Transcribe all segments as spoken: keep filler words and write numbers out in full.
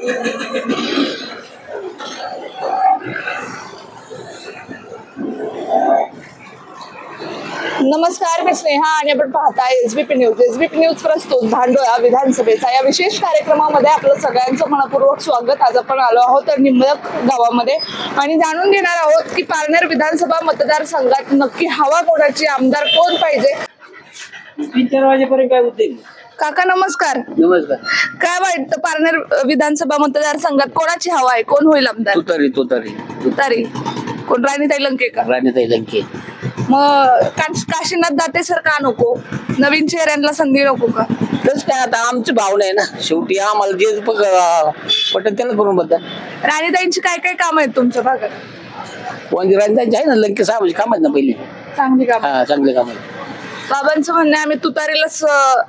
नमस्कार, मी स्नेहा आणि आपण पाहताय एसबीपी न्यूज. एसबीपी न्यूज प्रस्तुत धांडोळा विधानसभेचा या विशेष कार्यक्रमामध्ये आपलं सगळ्यांचं मनपूर्वक स्वागत. आज आपण आलो आहोत निंबळक गावामध्ये आणि जाणून घेणार आहोत की पारनेर विधानसभा मतदारसंघात नक्की हवा कोणाची, आमदार कोण पाहिजे. तीन चार वाजेपर्यंत काय होते. काका नमस्कार. नमस्कार. काय वाटतं पारनेर विधानसभा मतदारसंघात कोणाची हवा आहे, कोण होईल आमदार? तुतारी तुतारी तुतारी. कोण, राणीताई लंके का? राणीताई लंके. मग का- काशीनाथ दाते सर का नको? नवीन चेहऱ्यांना संधी नको का? तस काय आता आमची भावना आहे ना, शेवटी आम्हाला जे पटत त्याला करून बद्दल. राणीताईंची काय काय काम आहेत तुमच्या भागात? म्हणजे राणीताईंची आहे ना, लंके साहेबांची काम आहेत ना पहिली. चांगली काम. हा, चांगले काम आहेत. बाबांचं म्हणणं आहे आम्ही तुतारीलाच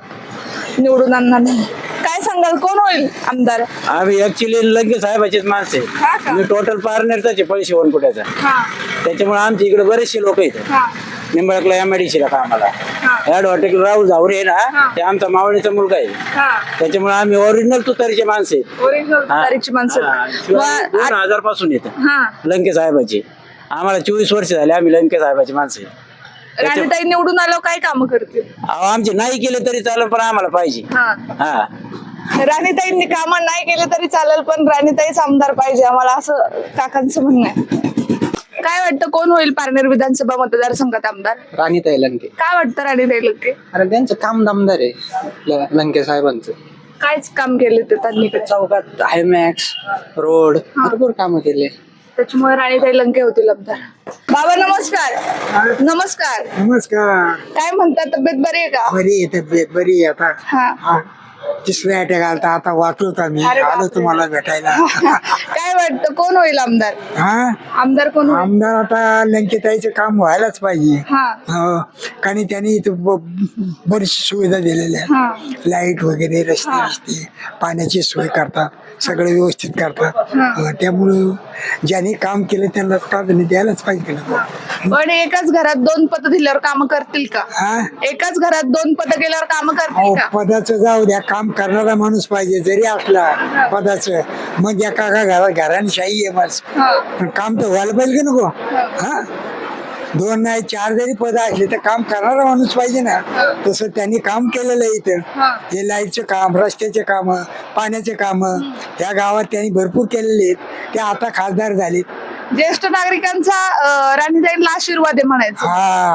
अं, निवडून आणणार नाही. काय सांगाल, कोण होईल आमदार? आम्ही ऍक्च्युली लंके साहेबाचेच माणसं हा आहे. का? मी टोटल पारनेरचाच पैसे शिवणकुट्याचा. हा त्याच्यामुळे आमच्या इकडे बरेचसे लोक आहेत. हा निंबाळकला एमआयडीसीला कामाला. हा ऍड हॉटेल राहुल झावरे आहे हा. ना, ते आमचा मावळीचा मुलगा आहे. हा त्याच्यामुळे आम्ही ओरिजिनल तुतारीचे माणसं आहेत. ओरिजिनल हा. तुतारीची माणसं. हा. शिवाय मग दोन आ- हजार पासून येत हा लंके साहेबाची. आम्हाला चोवीस वर्ष झाले, आम्ही लंके साहेबाची माणसं आहे. राणीताई निवडून आल्यावर काय काम करतील? अहो, आमचे नाही केले तरी चालेल, पण आम्हाला पाहिजे. हा हा राणीताईंनी काम नाही केले तरी चालेल, पण राणीताईच आमदार पाहिजे आम्हाला, असं काकांचं म्हणणं आहे. काय वाटतं, कोण होईल पारनेर विधानसभा मतदारसंघात आमदार? राणीताई लंके. काय वाटतं राणीताई लंके? अरे त्यांचं काम दमदार आहे ल- लंके साहेबांचं. कायच काम केले ते त्यांनी? चौकात हायमॅक्स रोड भरपूर कामं केले. त्याच्यामुळे राणीताई लंके होतील आमदार. बाबा नमस्कार. नमस्कार. नमस्कार. काय म्हणतात, तब्येत बरी आहे का? बरी आहे तब्येत, बरी आहे आता. हा हा. तिसऱ्या अटॅक आलता, आता वाचलो आम्ही, अरे आलो बापरे. तुम्हाला भेटायला. काय वाटतं, कोण होईल आमदार? हा आमदार कोण होईल? आमदार आता लंकेताईचं काम व्हायलाच पाहिजे. हा हो. कारण त्यांनी इथं ब- बरीचशी सुविधा दिलेल्या हा आहेत. लाईट वगैरे, रस्ते रस्ते पाण्याची सोय करतात, सगळं व्यवस्थित करतात. हा. हा, त्यामुळं ज्यांनी काम केलं त्यांना प्राधान्य द्यायलाच पाहिजे. पण एकाच घरात दोन पद दिल्यावर काम करतील का? हा एकाच घरात दोन पद केल्यावर काम करतील अहो, का? पदाचं जाऊ द्या, काम करणारा माणूस पाहिजे. जरी असला पदाचं, मग एका का घरात घराने शाही आहे बस, हा. पण काम तर व्हायला पाहिजे का नको? हा दोन नाही चार जरी पद असले तर काम करणारा माणूस पाहिजे ना. तसं त्यांनी काम केलेलं आहे इथं. हा. हे लाईटचं काम, रस्त्याचे काम, पाण्याचे काम या गावात त्यांनी भरपूर केलेले आहेत. ते आता खासदार झालेत. ज्येष्ठ नागरिकांचा अं, राणीताईंना आशीर्वाद आहे म्हणायचं.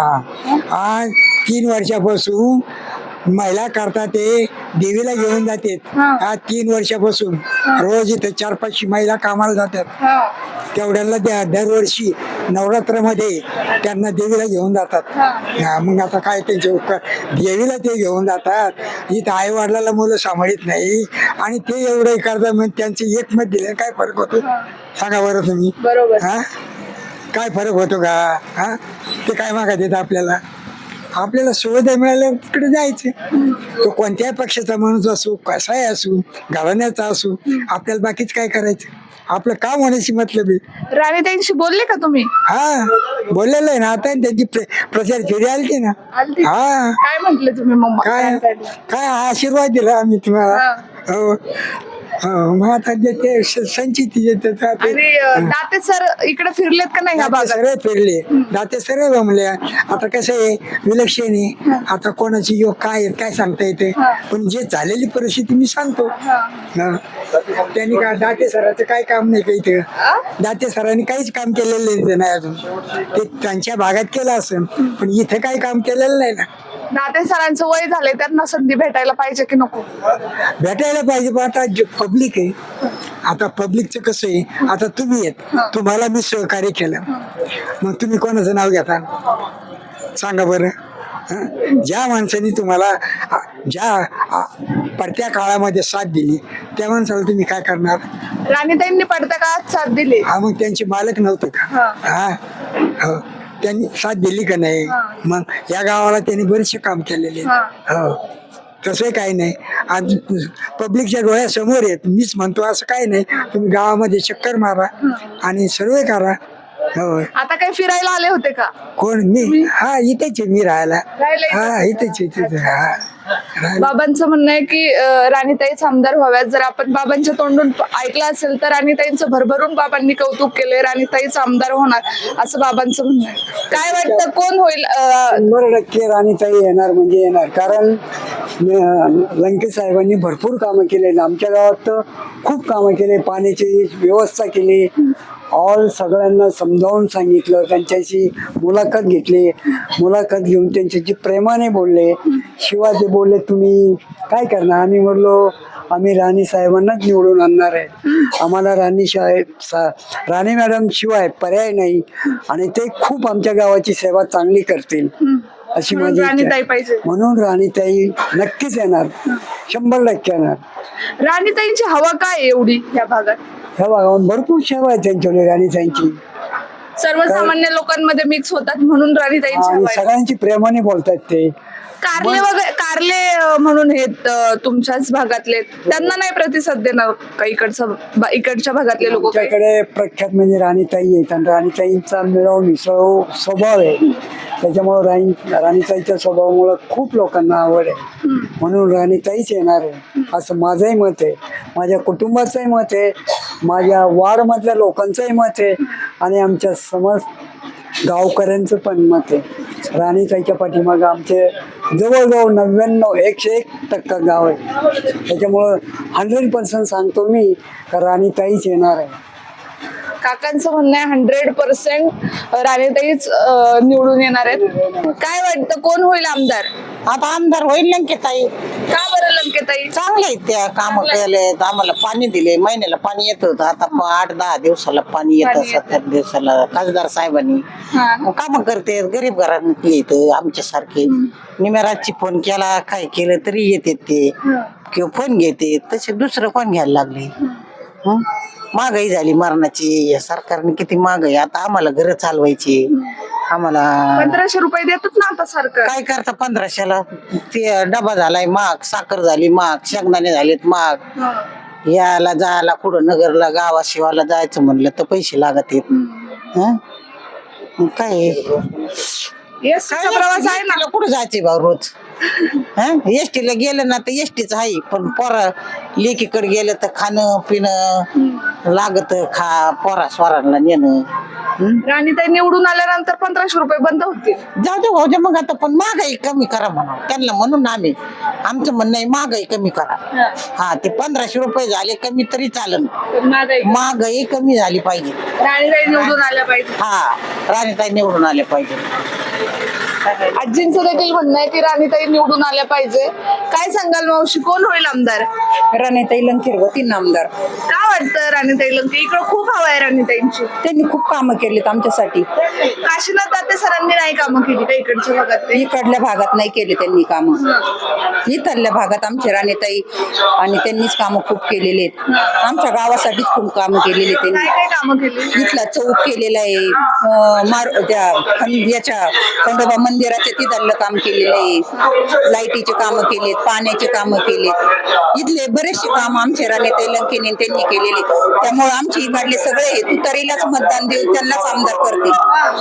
हा आज तीन वर्षापासून महिला करता ते देवीला घेऊन जातात. हा. आज तीन वर्षापासून रोज इथे चार पाचशे महिला कामाला जातात. हा. तेवढ्याला द्या दरवर्षी नवरात्रामध्ये त्यांना देवीला घेऊन जातात. हा. हा, मग आता काय त्यांचे उपकार, देवीला ते घेऊन जातात. इथं आई वडिलाला मुलं सांभाळत नाही आणि ते एवढं करतात, मग त्यांचे एक मत दिले काय फरक होतो सांगा बरं तुम्ही? बरोबर. हा काय फरक होतो का? हा ते काय मागा देत आपल्याला? आपल्याला सुविधा मिळाल्या तिकडे जायचं. तो कोणत्याही पक्षाचा माणूस असो, कसाही असो, घराण्याचा असो, आपल्याला बाकीच काय करायचं? आपलं काम होण्याची मतलब आहे. राणीताईंशी बोलले का तुम्ही? हा बोललेलं आहे ना, आता त्यांची प्र- प्रचार फेरी आलती ना. आलती? हा काय म्हंटले तुम्ही मग काय राणीताईंना? काय आशीर्वाद दिला आम्ही तुम्हाला. हा. हो हो, मग आता जे ते स- संचित येते आणि अं, दाते सर इकडे फिरलेत का नाही ह्या दाते भागात? सगळे फिरले, दाते सगळे जमले. आता कसं आहे, विलक्षण आहे. आता कोणाची योग काय आहे काय सांगता येते, हा. पण जे झालेली परिस्थिती मी सांगतो. हा. हा. त्यांनी काय दाते सराचं काय काम नाही का इथे? आ? दाते सरांनी काहीच काम केलेलं नाही अजून. ते त्यांच्या भागात केलं असेल, पण इथे काही काम केलेलं नाही ना. दाते सरांचं वय झालंय, त्यांना संधी भेटायला पाहिजे की नको? भेटायला पाहिजे, पण आता पब्लिक आहे. आता पब्लिकचं कसं आहे, आता तुम्ही आहेत, तुम्हाला मी सहकार्य केलं, मग तुम्ही कोणाचं नाव घेता सांगा बरं? हं? ज्या माणसाने तुम्हाला आ, ज्या आ, पडत्या काळामध्ये साथ दिली त्या माणसाला तुम्ही काय करणार? राणीताईंनी पडत्या काळात साथ दिली. हा, मग त्यांचे मालक नव्हते का? हा. हा हो, त्यांनी साथ दिली का नाही? हा. मग या गावाला त्यांनी बरेचसे काम केलेले हा. हो. तसं काही नाही, आज पब्लिकच्या डोळ्यासमोर आहेत. मीच म्हणतो असं काही नाही, तुम्ही गावामध्ये चक्कर मारा आणि सर्वे करा. हो. आता काही फिरायला आले होते का? कोण? मी? हा इथेच आहे मी राहायला. राहायला इथेच? हा इथेच इथेच हा. बाबांचं म्हणणं आहे की अं, राणीताईच आमदार व्हाव्यात. जर आपण बाबांच्या तोंडून प- ऐकलं असेल तर राणीताईंचं भरभरून बाबांनी कौतुक केलंय. राणीताईच आमदार होणार असं बाबांचं म्हणणं आहे. काय वाटतं कोण होईल? अं, शंभर टक्के राणीताई येणार म्हणजे येणार. कारण न- लंकेश साहेबांनी भरपूर कामं केले. आमच्या गावात तर खूप कामं केले. पाण्याची व्यवस्था केली. ऑल सगळ्यांना समजावून सांगितलं. त्यांच्याशी मुलाखत घेतली. मुलाखत घेऊन त्यांच्याशी प्रेमाने बोलले. शिवाय ते बोलले तुम्ही काय करणार. आम्ही म्हणलो आम्ही राणी साहेबांनाच निवडून आणणार आहे. आम्हाला राणी साहेब सा राणी मॅडम शिवाय पर्याय नाही. आणि ते खूप आमच्या गावाची सेवा चांगली करतील अशी म्हणून माझी इच्छा राणीताई आहे. पाहिजे. म्हणून राणीताई नक्कीच येणार. शंभर टक्के येणार. राणीताईंची हवा काय आहे एवढी या भागात? ह्या भागावर भरपूर सेवा आहे त्यांच्याकडे राणीताईंची. सर्वसामान्य लोकांमध्ये मिक्स होतात म्हणून राणीताईंची आणि हवा आहे. सगळ्यांची प्रेमाने बोलतात ते. कारले वगैरे कारले अं, म्हणून हे अं, तुमच्याच भागातले, त्यांना नाही प्रतिसाद देणार का इकडचं बा- इकडच्या भागातले लोक? आमच्याकडे प्रख्यात म्हणजे राणीताई आहेत. आणि राणीताईंचा मिळवून मिसळ स्वभाव आहे. त्याच्यामुळं राणी राणीताईच्या स्वभावामुळं खूप लोकांना आवड आहे. म्हणून राणीताईच येणार आहे असं माझंही मत आहे. माझ्या कुटुंबाचंही मत आहे. माझ्या वार्डमधल्या लोकांचंही मत आहे. आणि आमच्या समज गावकऱ्यांचं पण मत आहे. राणीताईच्या पाठीमागं आमचे जवळजवळ नव्याण्णव एकशे एक टक्का गाव आहे. त्याच्यामुळं हंड्रेड पर्सेंट सांगतो मी का राणीताईच येणार आहे. काकांचं म्हणणं आहे हंड्रेड पर्सेंट राणीताईच अं, निवडून येणार आहेत. काय वाटतं कोण होईल आमदार? आता आमदार होईल लंकेताई. का बरं लंकेताई? चांगले आहेत त्या काम केलेत. आम्हाला पाणी दिले. महिन्याला पाणी येत होतं. आता प- आठ दहा दिवसाला पाणी येतं. पाणी येतं. सत्तर दिवसाला खासदार साहेबांनी हा. काम करते. गरीब घरातले येतं आमच्या सारखे. निमेराजची फोन केला काय केलं तरी येते ते किंवा फोन घेते. तसे दुसरं कोण घ्यायला लागले. हं? महागाई झाली मरणाची. या सरकारने किती महागाई. आता आम्हाला घर चालवायची. आम्हाला पंधराशे रुपये देतात ना आता सरकार. काय करता पंधराशेला. ते डबा झालाय महाग. साखर झाली महाग. शेंगदाणे झालेत महाग. याला जायला कुठं नगरला गावा शिवाला जायचं म्हणलं तर पैसे लागत आहेत. हं? मग काय Yes, चा प्रवास आहे ना. कुठं जायचे भाऊ रोज. एसटीला गेलं ना तर एसटीच आहे. पण पोरा लेकीकडे गेलं तर खाणं पिणं लागत. खा पोरा स्वरांना नेणं. हं? राणीताई निवडून आल्यानंतर पंधराशे रुपये बंद होतील. जाऊ दे भाऊ दे. मग आता पण महागाई कमी करा म्हणा त्यांना. म्हणून आम्ही आमचं म्हणणं आहे महागाई कमी करा. हा ते पंधराशे रुपये झाले कमी तरी चालेल. महागाई महागाई कमी झाली पाहिजे. राणीताई निवडून आल्या पाहिजे. हा राणीताई निवडून आले पाहिजे. आजींचं देखील म्हणणं आहे की राणीताई निवडून आल्या पाहिजे. काय सांगाल मावशी कोण होईल आमदार? राणीताई लंकेर होती आमदार. काय वाटतं राणीताई लंके? इकडं खूप हवा आहे राणीताईंची. त्यांनी खूप कामं केलीत आमच्यासाठी. काशीनाथ दाते सरांनी नाही कामं केली का इकडच्या भागात? ते इकडल्या भागात नाही केले त्यांनी कामं. इथल्या भागात आमचे राणीताई आणि त्यांनीच कामं खूप केलेली आहेत. आमच्या गावासाठीच खूप कामं केलेली काय त्यांनी. काय कामं केली? इथला चौक केलेला आहे. अं, मार त्या खं- याच्या खंडोबा मंदिराच्या तिथलं काम केलेलं आहे. लाईटीचे कामं केलेत. पाण्याचे कामं केलेत. इथले बरेचसे काम आमचे राणीताई लंकेने त्यांनी केलेले. त्यामुळे आमचे इकडले सगळे हे तुतारीलाच मतदान देऊन त्यांनाच आमदार करतील.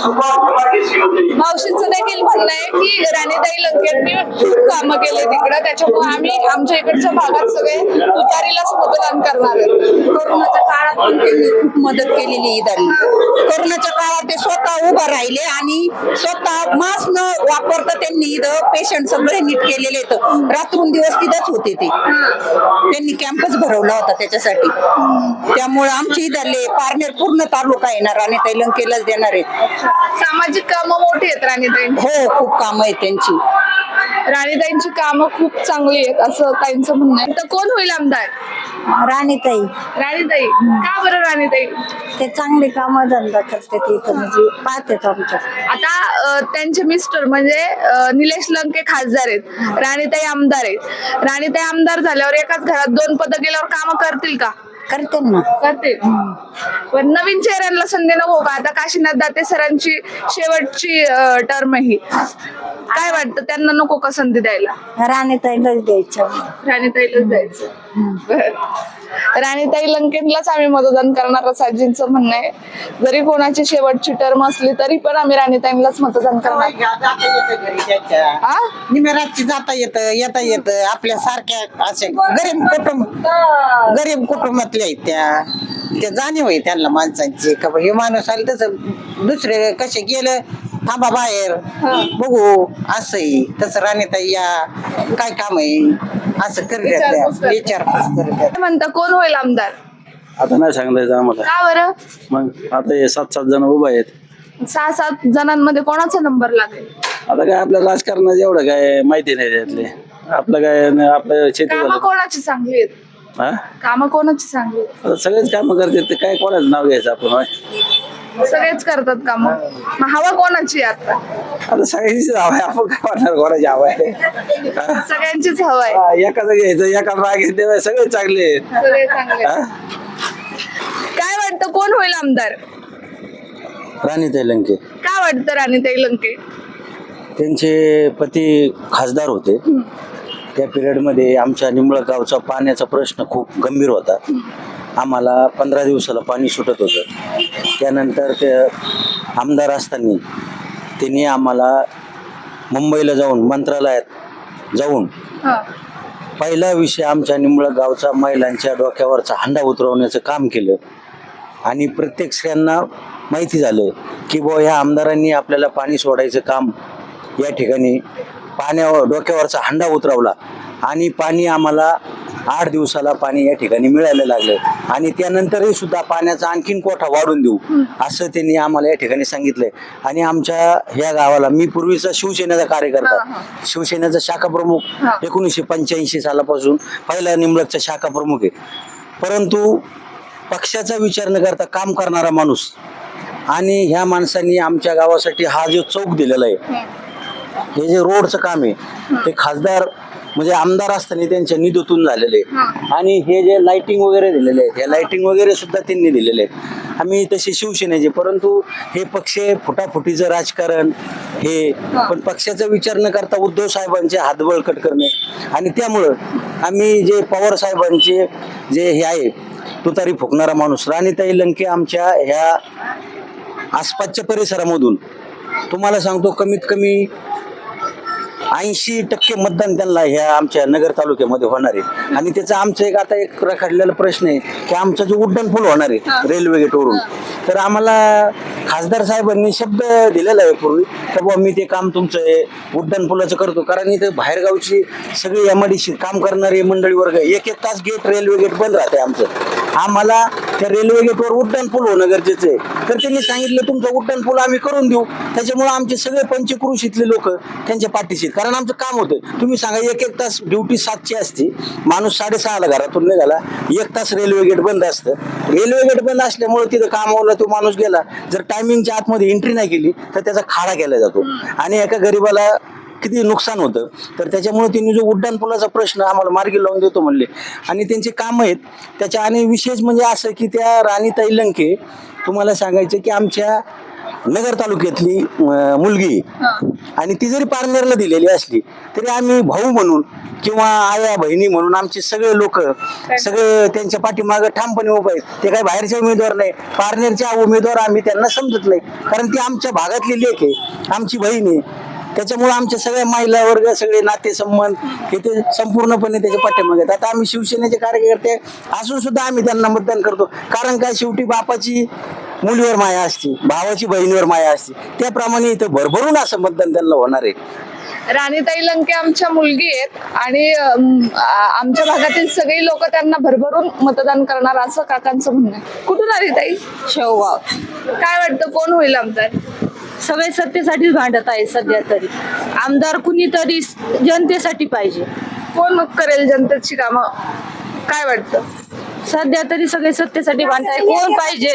मावशींचं देखील म्हणणं आहे की राणीताई लंकेंनी खूप कामं केले तिकडं. त्याच्यामुळे आम्ही आमच्या इकडच्या भागात सगळे तुतारीलाच मतदान करणार आहेत. कोरोनाच्या काळात पण त्यांनी खूप मदत केलेली इथली. कोरोनाच्या काळात ते स्वतः उभा राहिले आणि स्वतः मास्क न वापरता त्यांनी इथं पेशंट सगळे नीट केलेले आहेत. रात्रून दिवस तिथंच होते ते. त्यांनी कॅम्पस भरवला होता त्याच्यासाठी. त्यामुळे आमची इथले पारनेर पूर्ण तालुका येणार आणि ताई लंकेलाच देणार आहेत. सामाजिक कामं मोठी आहेत राणीताईंची. हो खूप कामं आहेत त्यांची. राणीताईंची कामं खूप चांगली आहेत असं ताईंचं म्हणणं आहे. तर कोण होईल आमदार? राणीताई. राणीताई. का बरं राणीताई? ते चांगले काम धंदा करते तिथं म्हणजे पाहतात आमच्या. आता अं, त्यांचे मिस्टर म्हणजे अं, निलेश लंके खासदार आहेत. राणीताई आमदार आहेत. राणीताई आमदार झाल्यावर एकाच घरात दोन पदं गेल्यावर कामं करतील का? करते ना. करतील. पण नवीन चेहऱ्यांना संधी नको का? आता काशीनाथ दाते सरांची शेवटची टर्म ही. काय वाटतं त्यांना नको का संधी द्यायला? राणीताईलाच द्यायचं. राणीताईलाच द्यायचं. बरं. राणीताई लंकेनलाच आम्ही मतदान करणार असं आजींचं म्हणणं आहे. जरी कोणाची शेवटची टर्म असली तरी पण आम्ही राणीताईंलाच मतदान करणार. आ? निमेराची जाता येत येता येत आपल्या सारख्या असे गरीब कुटुंब गरीब कुटुंबातल्या आहेत त्या त्या जाणीव आहे त्यांना माणसांची का बा हे माणूस आले तसं दुसरे कसे गेलं थांबा बाहेर बघू असंही तसं राणीताई या काय काम आहे असं विचारपूस करत करतात. विचारपूस करतात. काय म्हणता कोण होईल आमदार? आता नाही सांगायचं आम्हाला. का बरं? मग आता हे सात सात जण उभा आहेत. सहा सात जणांमध्ये कोणाचा नंबर लागेल? आता काय आपल्या राजकारणाचं एवढं काय माहिती नाही त्यातले. आपलं काय न- आपलं शेती कामं कोणाची चांगली आहेत? हा कामं कोणाची चांगली आहेत? आता सगळेच कामं करतात ते काय कोणाचं नाव घ्यायचं आपण होय? सगळेच करतात काम. मग हवा कोणाची आहे आता? आता सगळ्यांचीच हवा आहे, आपण काय म्हणणार कोणाची हवा आहे? हा? सगळ्यांचीच हवा आहे. हा, एकाचं घ्यायचं एकाला राग देवाय सगळे चांगले आहेत. सगळे चांगले आहेत. हा? काय वाटतं कोण होईल आमदार? राणीताई लंके. काय वाटतं राणीताई लंके? त्यांचे पती खासदार होते. त्या पिरियडमध्ये आमच्या निंबळक गावचा पाण्याचा प्रश्न खूप गंभीर होता. आम्हाला पंधरा दिवसाला पाणी सुटत होतं. त्यानंतर ते आमदार असताना त्यांनी आम्हाला मुंबईला जाऊन मंत्रालयात जाऊन हा. पहिला विषय आमच्या निंबळक गावचा महिलांच्या डोक्यावरचा हंडा उतरवण्याचं काम केलं. आणि प्रत्येक स्त्रियांना माहिती झालं की बुवा ह्या आमदारांनी आपल्याला पाणी सोडायचं काम या ठिकाणी पाण्यावर डोक्यावरचा हंडा उतरवला आणि पाणी आम्हाला आठ दिवसाला पाणी या ठिकाणी मिळायला लागलं. आणि त्यानंतरही सुद्धा पाण्याचा आणखीन कोठा वाढून देऊ असं त्यांनी आम्हाला या ठिकाणी सांगितलंय. आणि आमच्या ह्या गावाला मी पूर्वीचा शिवसेनेचा कार्यकर्ता, शिवसेनेचा शाखा प्रमुख एकोणीसशे पंच्याऐंशी सालापासून पहिला निंबळकचा शाखा प्रमुख आहे. परंतु पक्षाचा विचार न करता काम करणारा माणूस आणि ह्या माणसांनी आमच्या गावासाठी हा जो चौक दिलेला आहे, हे जे रोडचं काम आहे ते खासदार म्हणजे आमदार असताना त्यांच्या निधीतून झालेले आहे. आणि हे जे लाइटिंग वगैरे दिलेले आहेत, हे लाइटिंग वगैरे सुद्धा त्यांनी दिलेले आहेत. आम्ही तसे शिवसेनेचे, परंतु हे पक्ष फुटाफुटीचं राजकारण हे पण पक्षाचा विचार न करता उद्धव साहेबांचे हात बळकट करणे. आणि त्यामुळं आम्ही जे पवार साहेबांचे जे हे आहे तुतारी फुकणारा माणूस राणीताई लंके आमच्या ह्या आसपासच्या परिसरामधून तुम्हाला सांगतो कमीत कमी ऐंशी टक्के मतदान त्यांना ह्या आमच्या नगर तालुक्यामध्ये होणार आहे. आणि त्याचा आमचा एक आता एक रखडलेला प्रश्न आहे की आमचा जो उड्डाण पूल होणार आहे रेल्वे गेटवरून, तर आम्हाला खासदार साहेबांनी शब्द दिलेला आहे पूर्वी की बाबा मी ते काम तुमचं उड्डाण पुलाचं करतो. कारण इथं बाहेरगावची सगळी एम आय डी सी काम करणारी मंडळी वर्ग एक एक तास गेट रेल्वे गेट बंद राहते आमचं. आम्हाला त्या रेल्वे गेटवर उड्डाण पूल होणं गरजेचं आहे. तर त्यांनी सांगितलं तुमचं उड्डाण पूल आम्ही करून देऊ. त्याच्यामुळे आमचे सगळे पंचक्रोशीतले लोक त्यांच्या पाठीशी, कारण आमचं काम होतं. तुम्ही सांगा एक एक तास ड्युटी सातची असते, माणूस साडेसहाला घरातून निघाला, एक तास रेल्वे गेट बंद असतं. रेल्वे गेट बंद असल्यामुळे तिथं कामावला तो माणूस गेला, जर टायमिंगच्या आतमध्ये एंट्री नाही केली तर त्याचा खाडा केला जातो आणि एका गरीबाला किती नुकसान होतं. तर त्याच्यामुळे त्यांनी जो उड्डाण पुलाचा प्रश्न आम्हाला मार्गी लावून देतो म्हणले आणि त्यांचे काम आहेत त्याच्या. आणि विशेष म्हणजे असं की त्या राणीताई लंके तुम्हाला सांगायचं की आमच्या नगर तालुक्यातली अं, मुलगी आणि ती जरी पारनेरला दिलेली असली तरी आम्ही भाऊ म्हणून किंवा आया बहिणी म्हणून आमचे सगळे लोक सगळे त्यांच्या पाठीमागं ठामपणे उभे आहेत. ते काही बाहेरचे उमेदवार नाही, पारनेरच्या उमेदवार आम्ही त्यांना समजत नाही, कारण ती आमच्या भागातली लेक आहे, आमची बहीण आहे. त्याच्यामुळे आमच्या सगळ्या महिला वर्ग सगळे नातेसंबंध हे ते संपूर्णपणे त्याच्या पाठीमागे आहेत. आता आम्ही शिवसेनेचे कार्यकर्ते असून सुद्धा आम्ही त्यांना मतदान करतो. कारण काय, शेवटी बापाची मुलीवर माया असते, भावाची बहिणीवर माया असते, त्याप्रमाणे इथं भरभरून असं मतदान त्यांना होणार आहे. राणीताई लंके आमच्या मुलगी आहेत आणि अम, आ- आमच्या भागातील सगळी लोक त्यांना भरभरून मतदान करणार असं काकांचं म्हणणं आहे. कुठून आली ताई? शेवगाव. काय वाटतं कोण होईल आमदार? सगळे सत्तेसाठीच भांडत आहे सध्या तरी. आमदार कुणीतरी जनतेसाठी पाहिजे. कोण मग करेल जनतेची कामं? काय वाटतं? सध्या तरी सगळे सत्तेसाठी भांडत आहे. कोण पाहिजे?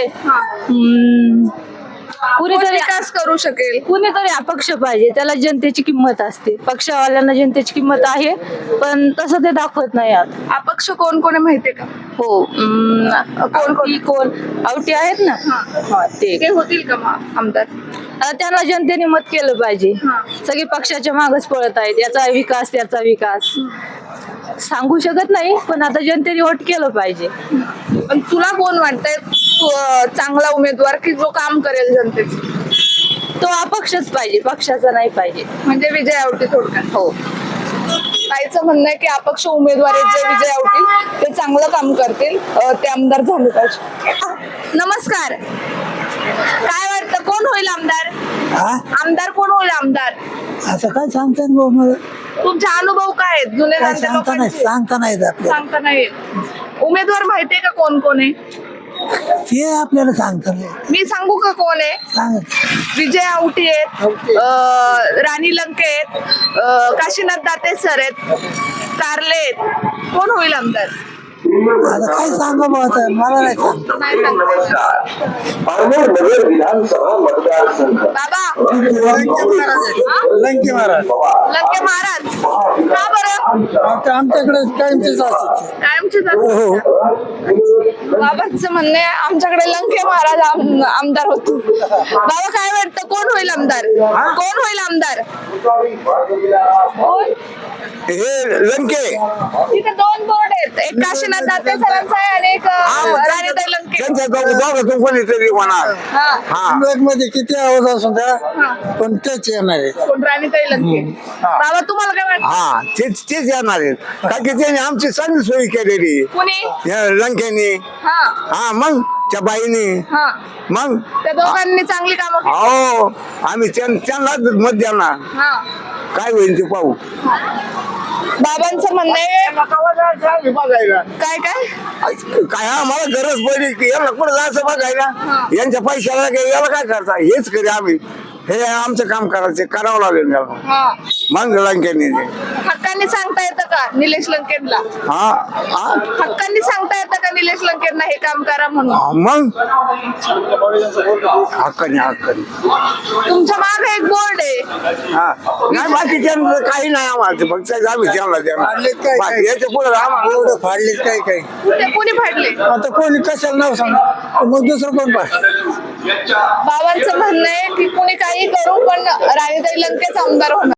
कोण कुणीतरी विकास करू शकेल? कुणीतरी अपक्ष पाहिजे, त्याला जनतेची किंमत असते. पक्षवाल्यांना जनतेची किंमत आहे पण तसं ते दाखवत नाही. आता अपक्ष कोण कोण आहे माहितीये का? हो अं, कोण कोण कोण आवटी आहेत ना, हा ते ते होतील का मग आमदार? आता त्यांना जनतेने मत केलं पाहिजे. सगळे पक्षाच्या मागच पळत आहेत, याचा विकास त्याचा विकास सांगू शकत नाही, पण आता जनतेने वोट केलं पाहिजे. पण तुला कोण वाटतंय तू, अं, चांगला उमेदवार की जो काम करेल जनतेचं? तो अपक्षच पाहिजे, पक्षाचा नाही पाहिजे. म्हणजे विजय आवटी थोडक्यात. हो, ताईचं म्हणणं आहे की अपक्ष उमेदवार आहेत जे विजय आवतील ते चांगलं काम करतील, अं, ते आमदार झाले पाहिजे. नमस्कार, काय वाटतं कोण होईल आमदार? आमदार कोण होईल आमदार? असं काय सांगता येईल बुवा मला, तुमचे अनुभव काय आहेत जुने काय जाणते सांगता नाही लोकांचे? सांगता नाही येत आपल्याला. सांगता नाही येत. उमेदवार माहितीये का कोण कोण आहे? ते आपल्याला सांगता नाही मी सांगू का कोण आहे? सांग. विजय आवटी आहेत, अं, राणी लंके आहेत, अं, काशीनाथ दाते सर आहेत, कारले आहेत. कोण होईल आमदार? आता काय सांगा बुवा आता, मला नाही सांगता. नाही सांगता बाबा. लंके महाराज लंके महाराज का बरं? आमच्याकडे कायमचेच असतात. कायमचेच असतात. बाबांचं म्हणणे आमच्याकडे लंके महाराज आम- आमदार होते. बाबा काय वाटतं कोण होईल आमदार? कोण होईल आमदार? कोण? हे लंके तिथे दोन बोर्ड आहेत, एक काशीनाथ दाते सरांचा आहे आणि एक अं, राणीताई लंके. दोघातून कोणीतरी होणार. हा. मध्ये किती आवाज असून द्या, पण तेच येणार आहे. कोण? राणीताई लंके. बाबा तुम्हाला काय वाटतं? हा तेच तेच येणार आहेत, कारण की त्याने आमची चांगली सोय केलेली कुणी? या लंकेनी. हा हा मग त्या बाईनी हा मग त्या दोघांनी चांगली कामं केली. हो आम्ही त्यां- त्यांनाच मत देणार. हा. काय होईल ते पाहू. बाबांचं म्हणणं आहे काय काय काय आम्हाला गरज पडली की याला कुठं जायचं बघायला, यांच्या पैशाला काय याला काय करता, हेच करी आम्ही. हे आमचं काम करायचं करावं लागेल याला. हा. मग लंकेनी ते. हक्कांनी सांगता येतं का निलेश लंकेनला? हा हा हक्कांनी सांगता येतं का निलेश लंकेनला हे काम करा म्हणून? हा, मग हक्काने हक्काने. तुमच्या मागे एक बोर्ड आहे. हा नाही बाकी त्यांचं काही नाही आम्हाला, ते फक्त आम्ही त्यांना देणार. बाकी याच्या पुढे आम्हाला एवढं फाडलेत काय काय, ते कोणी फाडले? आता कोणी कशाला नाव सांगा, मग दुसरं कोण पाहिजे. बाबांचं म्हणणं आहे की कोणी काही करू पण राणीताई लंकेच आमदार होणार.